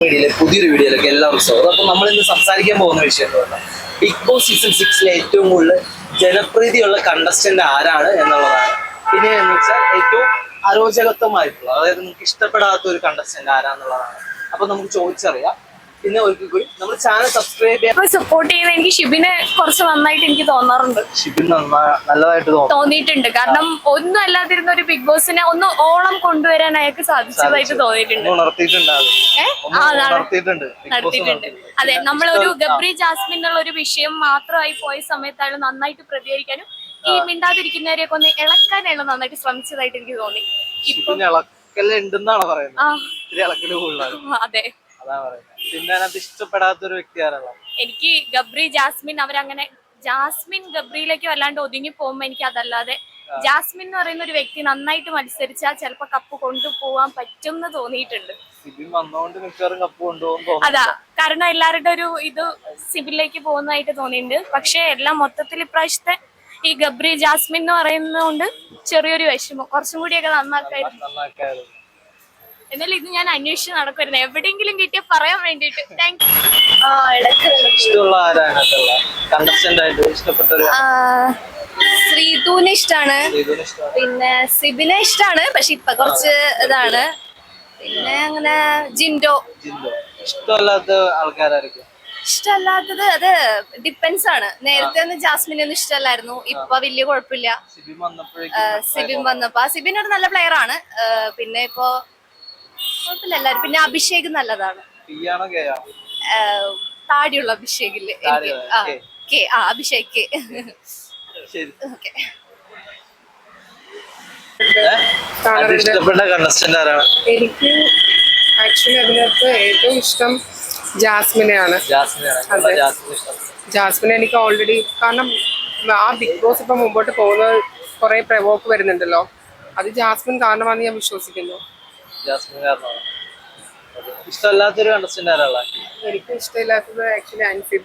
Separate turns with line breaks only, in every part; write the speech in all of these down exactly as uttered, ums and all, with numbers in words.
വീഡിയോയിലെ പുതിയൊരു വീഡിയോയിലേക്ക് എല്ലാവർക്കും സ്വാഗതം. അപ്പോൾ നമ്മൾ ഇന്ന് സംസാരിക്കാൻ പോകുന്ന വിഷയം എന്ന് പറഞ്ഞാൽ ബിഗ് ബോസ് സീസൺ സിക്സിലെ ഏറ്റവും കൂടുതൽ ജനപ്രീതിയുള്ള കണ്ടസ്റ്റന്റ് ആരാണ് എന്നുള്ളതാണ്. പിന്നെ എന്ന് വെച്ചാൽ ഏറ്റവും അരോചകത്വമായിട്ടുള്ള, അതായത് നമുക്ക് ഇഷ്ടപ്പെടാത്ത ഒരു കണ്ടസ്റ്റന്റ് ആരാന്നുള്ളതാണ്. അപ്പൊ നമുക്ക് ചോദിച്ചറിയാം. പിന്നെ ഒരിക്കൽ കൂടി നമ്മൾ ചാനൽ സബ്സ്ക്രൈബ് ചെയ്യാൻ
സപ്പോർട്ട് ചെയ്യുന്ന എനിക്ക് ഷിബിനെ കുറച്ച് നന്നായിട്ട് എനിക്ക് തോന്നാറുണ്ട്.
ഷിബിൻ നല്ലതായിട്ട്
തോന്നിയിട്ടുണ്ട്. കാരണം ഒന്നും അല്ലാതിരുന്ന ഒരു ബിഗ് ബോസിനെ ഒന്ന് ഓളം കൊണ്ടുവരാൻ അയാൾക്ക് സാധിച്ചതായിട്ട് തോന്നിയിട്ടുണ്ട്. നടത്തിയിട്ടുണ്ട്. അതെ, നമ്മളൊരു ഗബ്രി ജാസ്മിൻ എന്നുള്ള ഒരു വിഷയം മാത്രമായി പോയ സമയത്ത് അയാൾ നന്നായിട്ട് പ്രതികരിക്കാനും ഈ മിണ്ടാതിരിക്കുന്നവരെയൊക്കെ ഒന്ന് ഇളക്കാൻ അയാൾ നന്നായിട്ട് ശ്രമിച്ചതായിട്ട് എനിക്ക് തോന്നി. അതെ,
പിന്നെ അതിനകത്ത് ഇഷ്ടപ്പെടാത്ത ഒരു വ്യക്തി ആരാണ്?
എനിക്ക് ഗബ്രി ജാസ്മിൻ അവരങ്ങനെ ജാസ്മിൻ ഗബ്രിയിലേക്ക് വല്ലാണ്ട് ഒതുങ്ങി പോകുമ്പോ എനിക്ക് അതല്ലാതെ ജാസ്മിൻ എന്ന് പറയുന്ന ഒരു വ്യക്തി നന്നായിട്ട് മത്സരിച്ചാൽ ചിലപ്പോ കപ്പ് കൊണ്ടുപോവാൻ പറ്റും എന്ന് തോന്നിയിട്ടുണ്ട്. അതാ കാരണം എല്ലാവരുടെ ഒരു ഇത് സിബിലേക്ക് പോകുന്നതായിട്ട് തോന്നിയിട്ടുണ്ട്. പക്ഷെ എല്ലാം മൊത്തത്തിൽ ഇപ്രാവശ്യത്തെ ഈ ഗബ്രി ജാസ്മിൻ എന്ന് പറയുന്നതുകൊണ്ട് ചെറിയൊരു വിഷമം, കുറച്ചും കൂടിയൊക്കെ നന്നാക്കായിരുന്നു. എന്നാലും ഇത് ഞാൻ അന്വേഷിച്ച് നടക്കുമായിരുന്നു, എവിടെയെങ്കിലും കിട്ടിയ പറയാൻ വേണ്ടിട്ട്. താങ്ക്
ശ്രീതുവിനെ ഇഷ്ടാണ്, പിന്നെ സിബിനെ ഇഷ്ടാണ്, പക്ഷെ ഇപ്പൊ കുറച്ച് ഇതാണ്. പിന്നെ അങ്ങനെ ജിൻഡോ.
ഇഷ്ടമല്ലാത്ത ആൾക്കാരായിരിക്കും.
ഇഷ്ടമല്ലാത്തത് അത് ഡിപ്പെൻസ് ആണ്. നേരത്തെ ഒന്നും ജാസ്മിനെ ഒന്നും ഇഷ്ടമല്ലായിരുന്നു, ഇപ്പൊ വലിയ കുഴപ്പമില്ല. സിബിൻ വന്നപ്പോ സിബിൻ ഒരു നല്ല പ്ലെയർ ആണ്. പിന്നെ ഇപ്പൊ കുഴപ്പമില്ല എല്ലാരും. പിന്നെ അഭിഷേക് നല്ലതാണ്. താടിയുള്ള അഭിഷേകില്ലേ കെ ആ അഭിഷേക് കെ.
എനിക്ക് ആക്ച്വലി അതിനകത്ത് ഏറ്റവും ഇഷ്ടം ജാസ്മിനെയാണ്. ജാസ്മിനെ എനിക്ക് ഓൾറെഡി, കാരണം ആ ബിഗ് ബോസ് ഇപ്പൊ മുമ്പോട്ട് പോകുന്നത് കുറെ പ്രവോക്ക് വരുന്നുണ്ടല്ലോ, അത് ജാസ്മിൻ കാരണമാണെന്ന് ഞാൻ വിശ്വസിക്കുന്നു.
ഇഷ്ടമല്ലാത്തൊരു കണ്ടസ്റ്റന്റ് ആരാളാ?
എനിക്ക് ഇഷ്ടമില്ലാത്തത് ആക്ച്വലി അൻസിബ,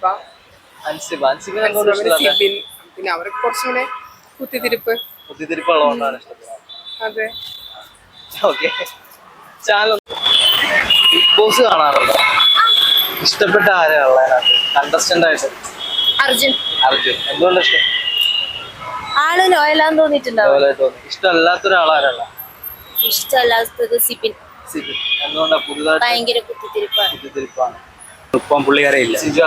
സിബിൻ. പിന്നെ അവർക്ക് കുറച്ചുകൂടെ കുത്തിത്തിരിപ്പ്
കുത്തിത്തിരിപ്പുള്ളതുകൊണ്ടാണ് ഇഷ്ടപ്പെടുന്നത്.
അതെ.
ഓക്കെ, ചാനൽ ബിഗ് ബോസ് കാണാറുണ്ടോ? ഇഷ്ടപ്പെട്ട ആരാളാ കണ്ടസ്റ്റന്റ് ആയിട്ട്?
അർജുൻ.
അർജുൻ എന്തുകൊണ്ട് ഇഷ്ടം?
ആള് ലോയലാന്ന് തോന്നിയിട്ടുണ്ടാവും.
ഇഷ്ടമല്ലാത്തൊരാളാരല്ല?
ഇഷ്ടമല്ലാത്തത് സിബിൻ.
സിബിൻ എന്തുകൊണ്ടാ? പുതുതായിട്ട്
ഭയങ്കര കുത്തിത്തിരിപ്പാണ്.
കുത്തിത്തിരിപ്പാണ്. ഇപ്പം പുള്ളിക്കാരില്ല. സിജു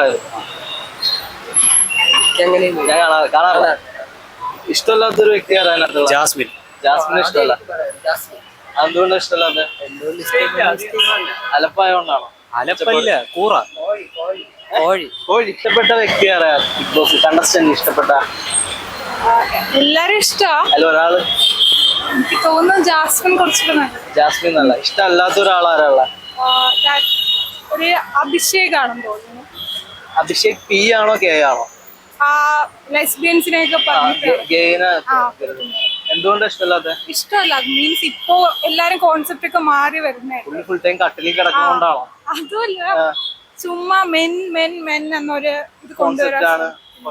കാണാറില്ല. ഇഷ്ടമല്ലാത്തൊരു വ്യക്തി ആരാണ്? ജാസ്മിൻ. ജാസ്മിന് ഇഷ്ടമല്ല. എന്തുകൊണ്ടാ ഇഷ്ടമല്ലാത്ത? അലപ്പായോണ്ടാണോ? അലപ്പല്ല, കൂറ, കോഴി. കോഴി. ഇഷ്ടപ്പെട്ട വ്യക്തി ആരാ ബിഗ് ബോസ് കണ്ടസ്റ്റന്റ്? ഇഷ്ടപ്പെട്ട
എല്ലാരും ഇഷ്ടാ.
അല്ല, ഒരാള്
എനിക്ക് തോന്നുന്നു ജാസ്മിൻ കുറച്ചുകൂടെ.
ജാസ്മിൻ നല്ല. ഇഷ്ടമല്ലാത്ത ഒരാളാരാള?
ഒരു അഭിഷേകാണെന്ന് തോന്നുന്നു.
അഭിഷേക് പി ആണോ കെ ആണോ?
ലെസ്ബിയൻസിനെയൊക്കെ
എന്തുകൊണ്ടാ ഇഷ്ടമല്ലാത്ത?
ഇഷ്ടമല്ല മീൻസ് ഇപ്പോ എല്ലാരും കോൺസെപ്റ്റ് ഒക്കെ മാറി വരുന്നേ.
ഫുൾ ടൈം കട്ടിലിൽ കിടക്കുന്നോണ്ടാണോ?
അതുമല്ല, ചുമ്മാ മെൻ മെൻ മെൻ എന്നൊരു ഇത് കൊണ്ടുവരാൻ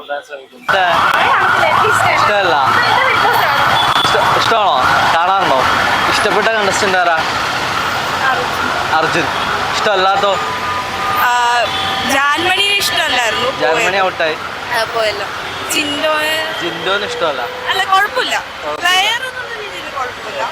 ഇഷ്ടമല്ല. ഇഷ്ടമാണോ? കാണാറുണ്ടോ? ഇഷ്ടപ്പെട്ട കണ്ടസ്റ്റന്റ് ആരാ? അർജുൻ. ഇഷ്ടമല്ലാത്തോ?
ജാൻമണിയെ ഇഷ്ടമല്ലായിരുന്നു.
ജാൻമണി ഔട്ടായി
പോയല്ലോ.
ജിൻഡോ
ജിൻഡോന് ഇഷ്ടമല്ല.
അല്ല, കുഴപ്പമില്ല. പ്ലെയർ എന്നുള്ള രീതിയിൽ കുഴപ്പമില്ല.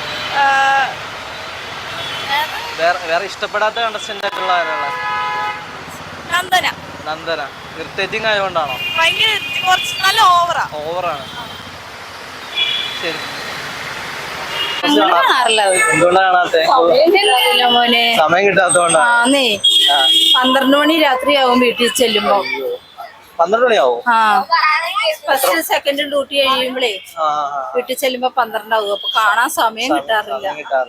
വേറെ ഇഷ്ടപ്പെടാത്ത കണ്ടസ്റ്റന്റ് ആയിട്ടുള്ള ആരാളാ?
നന്ദന.
നന്ദന ഇറിറ്റേറ്റിംഗ് ആയതുകൊണ്ടാണോ?
ഭയങ്കര കുറച്ച് നല്ല ഓവറാ.
ഓവറാണ്. ശരി.
എന്തുകൊണ്ടാ
കാണാത്തെ?
മോനെ
സമയം കിട്ടാത്തോണ്ടാണ്.
പന്ത്രണ്ട് മണി രാത്രിയാവും വീട്ടിൽ ചെല്ലുമ്പോ.
പന്ത്രണ്ട് മണിയാവും.
ആ ഫസ്റ്റ് സെക്കൻഡ് ഡ്യൂട്ടി കഴിയുമ്പോഴേ വീട്ടിൽ ചെല്ലുമ്പോ പന്ത്രണ്ടാവും. അപ്പൊ കാണാൻ സമയം കിട്ടാറില്ല.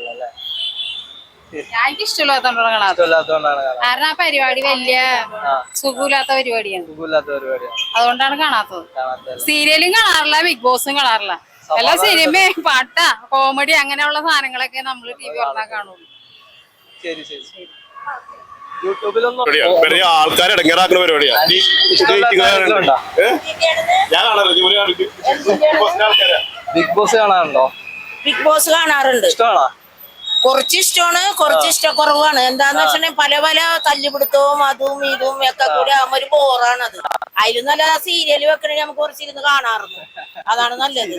എനിക്ക് ഇഷ്ടമില്ലാത്തോണ്ടാണ് കാണാത്തത്. കാരണം ആ പരിപാടി വലിയ സുഖമില്ലാത്ത പരിപാടിയാണ്. അതുകൊണ്ടാണ് കാണാത്തത്. സീരിയലും കാണാറില്ല, ബിഗ് ബോസും കാണാറില്ല. എല്ലാ സിനിമ, പാട്ടാ, കോമഡി അങ്ങനെയുള്ള സാധനങ്ങളൊക്കെ നമ്മൾ ടി വി പറഞ്ഞാൽ കാണുള്ളൂ.
ആൾക്കാർ ഇടങ്ങേറാക്കുന്ന പരിപാടിയാ.
ബിഗ് ബോസ് കാണാറുണ്ടോ?
ബിഗ് ബോസ് കാണാറുണ്ട്.
ഇഷ്ടമാണോ?
കുറച്ച് ഇഷ്ടമാണ്, കുറച്ച് ഇഷ്ടക്കുറവാണ്. എന്താന്ന് വെച്ചിട്ടുണ്ടെങ്കിൽ പല പല തല്ലുപിടുത്തവും അതും ഇതും ഒക്കെ കൂടി ആകുമ്പോ ഒരു ബോറാണ് അത്. അതിലും നല്ല സീരിയൽ വെക്കണമെങ്കിൽ നമുക്ക് കുറച്ചിരുന്ന് കാണാറുണ്ട്. അതാണ് നല്ലത്.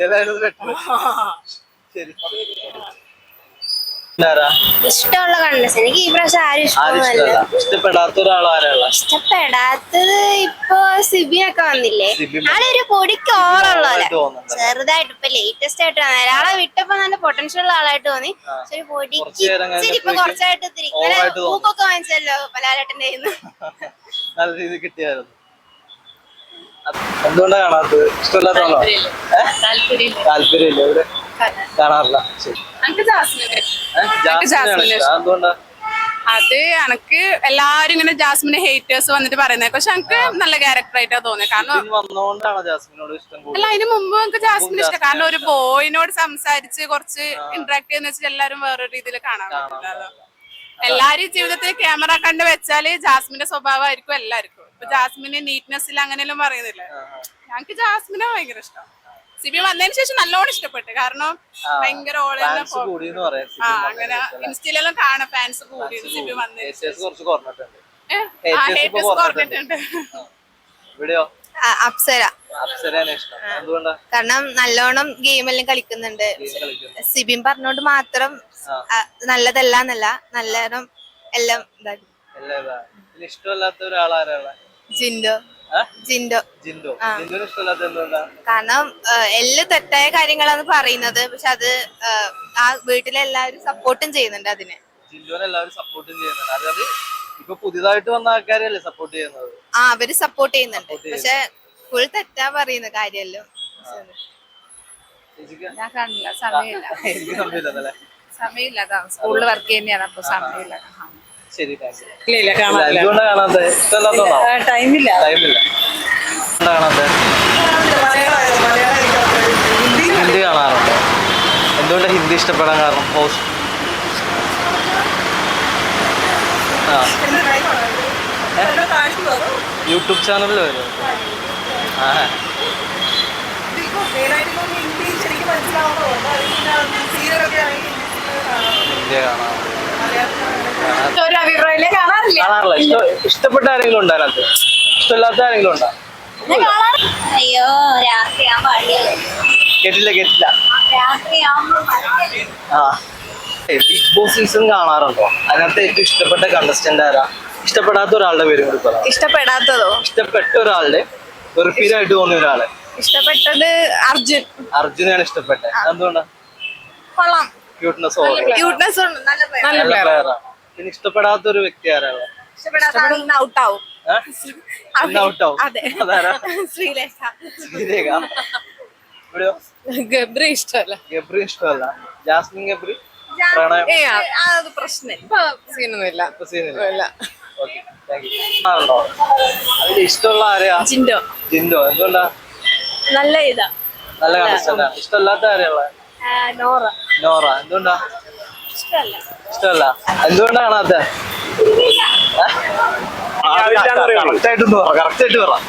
ഇഷ്ടമുള്ള കണ്ടസ് എനിക്ക് ഈ പ്രാവശ്യം ആരും ഇഷ്ടമല്ല.
ഇഷ്ടപ്പെടാത്ത ഒരാളാരാള?
ഇഷ്ടപ്പെടാത്തത് ഇപ്പൊ സിബിനൊക്കെ വന്നില്ലേ, ആളൊരു പൊടിക്ക് ഓറുള്ളപോലെ ചെറുതായിട്ട് ഇപ്പൊ ലേറ്റസ്റ്റ് ആയിട്ട് വന്ന ഒരാളെ വിട്ടപ്പോ നല്ല പൊട്ടൻഷ്യൽ ഉള്ള ആളായിട്ട് തോന്നി. പക്ഷെ ഒരു പൊടിക്ക് ഇച്ചിരി ഇപ്പൊ കുറച്ചായിട്ട് ഇത്തിരി ഇങ്ങനെ പൂക്കൊക്കെ വാങ്ങിച്ചല്ലോ പലാലേട്ടന്റെ കയ്യിന്ന്.
നല്ല രീതിയിൽ കിട്ടിയായിരുന്നു. എന്തുകൊണ്ടാ കാണാത്തത്? ഇഷ്ടമില്ലാത്തതാണോ? താല്പര്യമില്ല. ഇവിടെ കാണാറില്ല. ശരി. എന്തുകൊണ്ടാ?
അത് എനക്ക് എല്ലാരും ഇങ്ങനെ ജാസ്മിനെ ഹേറ്റേഴ്സ് വന്നിട്ട് പറയുന്നത്, പക്ഷെ എനിക്ക് നല്ല ക്യാരക്ടർ ആയിട്ടാ തോന്നിയത്. കാരണം
വന്നോണ്ടാണോ ജാസ്മിനോട് ഇഷ്ടം?
അല്ല, അതിന് മുമ്പ് നമുക്ക് ജാസ്മിൻ ഇഷ്ടം. കാരണം ഒരു ബോയിനോട് സംസാരിച്ച് കുറച്ച് ഇന്ററാക്ട് ചെയ്യുന്ന വെച്ചാൽ എല്ലാരും വേറൊരു രീതിയിൽ കാണാൻ പറ്റില്ലല്ലോ. എല്ലാരും ജീവിതത്തിൽ ക്യാമറ കണ്ട് വെച്ചാല് ജാസ്മിന്റെ സ്വഭാവമായിരിക്കും എല്ലാവർക്കും. ഇപ്പൊ ജാസ്മിന് നീറ്റ്നെസ്സിൽ അങ്ങനെയെല്ലാം പറയുന്നില്ലേ. ഞങ്ങക്ക് ജാസ്മിനെ ഭയങ്കര ഇഷ്ടം. സിബി വന്നതിന് ശേഷം നല്ലോണം ഇഷ്ടപ്പെട്ടു. കാരണം ഭയങ്കര ഓളെ ആ അങ്ങനെ ഇൻസ്റ്റയിലെല്ലാം കാണാം ഫാൻസ് കൂടി സിബി വന്നതിന് കുറഞ്ഞിട്ടുണ്ട്.
അപ്സര. കാരണം നല്ലോണം ഗെയിമെല്ലാം കളിക്കുന്നുണ്ട്. സിബിൻ പറഞ്ഞോണ്ട് മാത്രം നല്ലതല്ല എന്നല്ല, നല്ലോണം എല്ലാം ഇതാക്കി.
ഇഷ്ടമല്ലാത്ത ഒരാളാരാള?
ജിൻഡോ. ജിൻഡോ
ജിൻഡോ. ജിൻഡോനെ ഇഷ്ടമല്ലാത്ത എന്തുകൊണ്ടാ?
കാരണം എല്ലാം തെറ്റായ കാര്യങ്ങളാണ് പറയുന്നത്, പക്ഷെ അത് ആ വീട്ടിലെല്ലാവരും സപ്പോർട്ടും ചെയ്യുന്നുണ്ട് അതിന്.
ജിൻഡോനെ എല്ലാവരും സപ്പോർട്ടും ചെയ്യുന്നുണ്ട്. അതായത് ഇപ്പൊ പുതിയതായിട്ട് വന്ന ആൾക്കാരല്ലേ സപ്പോർട്ട് ചെയ്യുന്നത്?
ആ അവര് സപ്പോർട്ട് ചെയ്യുന്നുണ്ട്, പക്ഷെ ഫുൾ തെറ്റാ പറയുന്ന കാര്യമല്ലോ.
ഞാൻ കാണില്ല, സമയമില്ല.
എനിക്ക് സമയമില്ലല്ലേ?
സമയമില്ല, അതാണ് സ്കൂളിൽ വർക്ക് ചെയ്യുന്നതാണ്, അപ്പൊ സമയമില്ല.
ശരി, എന്തുകൊണ്ടാ കാണാത്തത്? ഇഷ്ടമല്ലാത്തതാണോ?
ടൈമില്ല.
ടൈമില്ല. കാണാത്തത്? ഹിന്ദി കാണാറുണ്ട്. എന്തുകൊണ്ടാ ഹിന്ദി ഇഷ്ടപ്പെടാൻ കാരണം? പോസ്റ്റ് ആ യൂട്യൂബ് ചാനലിൽ വരും. ആ ഹിന്ദി കാണാറുണ്ട്. കാണാറില്ല. ഇഷ്ട ഇഷ്ടപ്പെട്ട ആരെങ്കിലും ഉണ്ടോ അതിനകത്ത്? ഇഷ്ടമില്ലാത്ത ആരെങ്കിലും ഉണ്ടോ?
അയ്യോ രാത്രിയാകുമ്പോ അടിയല്ലേ.
കേട്ടില്ല കേട്ടില്ല ആ ബിഗ് ബോസ് സീസൺ കാണാറുണ്ടോ? അതിനകത്ത് ഏറ്റവും ഇഷ്ടപ്പെട്ട കണ്ടസ്റ്റന്റ് ആരാ? ഇഷ്ടപ്പെടാത്ത ഒരാളുടെ പേരും കൂടി പറയാം.
ഇഷ്ടപ്പെടാത്തതോ?
ഇഷ്ടപ്പെട്ട ഒരാളുടെ വെറുപ്പീരായിട്ട് തോന്നിയ ഒരാള്.
ഇഷ്ടപ്പെട്ടത് അർജുൻ.
അർജുനാണ് ഇഷ്ടപ്പെട്ടത്. എന്തുകൊണ്ടാ?
കൊള്ളാം,
ക്യൂട്ട്നെസ്
ക്യൂട്ട്നെസ് ഉണ്ട്, നല്ല
നല്ല പ്ലെയറാ. പിന്നെ ഇഷ്ടപ്പെടാത്ത ഒരു വ്യക്തി ആരാണ്?
ഔട്ടാവും.
ഔട്ടാവും.
അതെ,
അതാരാ?
ശ്രീലേഖ.
ശ്രീരേഖ. ഇവിടെയോ?
ഗബ്രി ഇഷ്ടമല്ല.
ഗബ്രി ഇഷ്ടമല്ല. ജാസ്മിൻ ഗബ്രി പ്രണയം
അത് പ്രശ്നം ഇപ്പൊ സീനൊന്നുമില്ല.
ഇപ്പൊ സീനില്ല. Okay, thank you. ആണോ? അതിൽ ഇഷ്ടമുള്ള ആരെയാ?
ജിൻഡോ.
ജിൻഡോ. എന്തുകൊണ്ടാ?
നല്ല ഇതാ,
നല്ല കണ്ടസ്റ്റന്റ് ആണ്. ഇഷ്ടമല്ലാത്ത ആരെയുള്ള?
നോറ.
നോറ. എന്തുകൊണ്ടാ?
ഇഷ്ടമല്ല.
ഇഷ്ടമല്ല. എന്തുകൊണ്ടാ കാണാത്ത? കറക്റ്റ് ആയിട്ട് പറ. കറക്റ്റ് ആയിട്ട് പറ.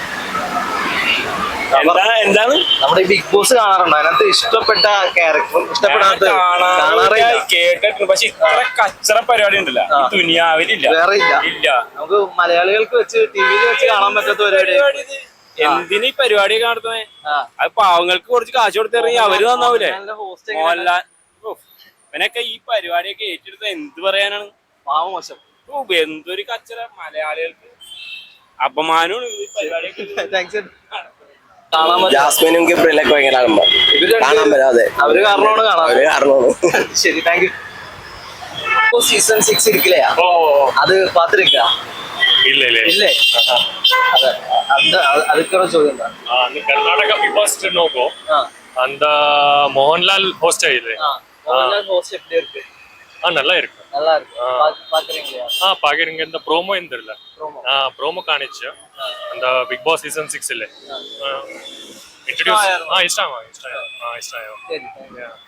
എന്താണ്
നമ്മുടെ ഈ ബിഗ് ബോസ് കാണാറുണ്ടോ? അതിനകത്ത് ഇഷ്ടപ്പെട്ട ക്യാരക്ടർ ഇഷ്ടപ്പെടാത്ത
കേട്ടിട്ടുണ്ട്, പക്ഷെ ഇത്ര കച്ചറ പരിപാടി ഉണ്ടല്ലോ ദുനിയാവിലില്ല,
വേറെ ഇല്ല.
ഇല്ല.
നമുക്ക് മലയാളികൾക്ക് വെച്ച് ടിവിയിൽ വെച്ച് കാണാൻ പറ്റാത്ത പരിപാടി.
എന്തിനീ ഈ പരിപാടി നടത്തുന്നേ? അത് പാവങ്ങൾക്ക് കുറച്ച് കാശ് കൊടുത്തിറങ്ങി അവര് നന്നാവൂലേ? മോഹൻലാൽ ഇവനൊക്കെ ഈ പരിപാടിയൊക്കെ ഏറ്റെടുത്ത എന്ത് പറയാനാണ്?
പാവം മോശം.
എന്തൊരു കച്ചറ, മലയാളികൾക്ക് അപമാനമാണ് ഈ പരിപാടിയൊക്കെ.
ജാസ്മിനും ഗബ്രിയിലൊക്കെ ഭയങ്കര കാണാൻ പറ്റാതെ
അവര് കാരണമാണ് കാണാൻ
കാരണമാണ്.
ശരി, താങ്ക് യു. സീസൺ സിക്സ് ഇരിക്കില്ലയാ? അത് പാത്തിരിക്ക
ಇಲ್ಲ ಇಲ್ಲ
ಇಲ್ಲೇ ಅದೇ ಅಂದ ಅದಕ್ಕೆ ചോദ്യം എന്താ?
ಕರ್ನಾಟಕ ಬಿಗ್ ಬಾಸ್ ನೋಕೋ அந்த மோகன்லால் ஹோஸ்ட் ஆயிடுது.
மோகன்லால் ஹோஸ்ட் எப்படி இருக்கு?
ஆ நல்லா இருக்கு,
நல்லா இருக்கு. பாக்குறீங்களா?
ஆ பாக்குறீங்க. இந்த ப்ரோமோ இருந்தில்ல, ஆ ப்ரோமோ காணிச்சு அந்த பிக் பாஸ் சீசன் சிக்ஸ் இல்ல இன்ட்ரோ듀ce. ஆ இஷ்டம் ஆ இஷ்டம் ஆ இஷ்டம்.
சரி.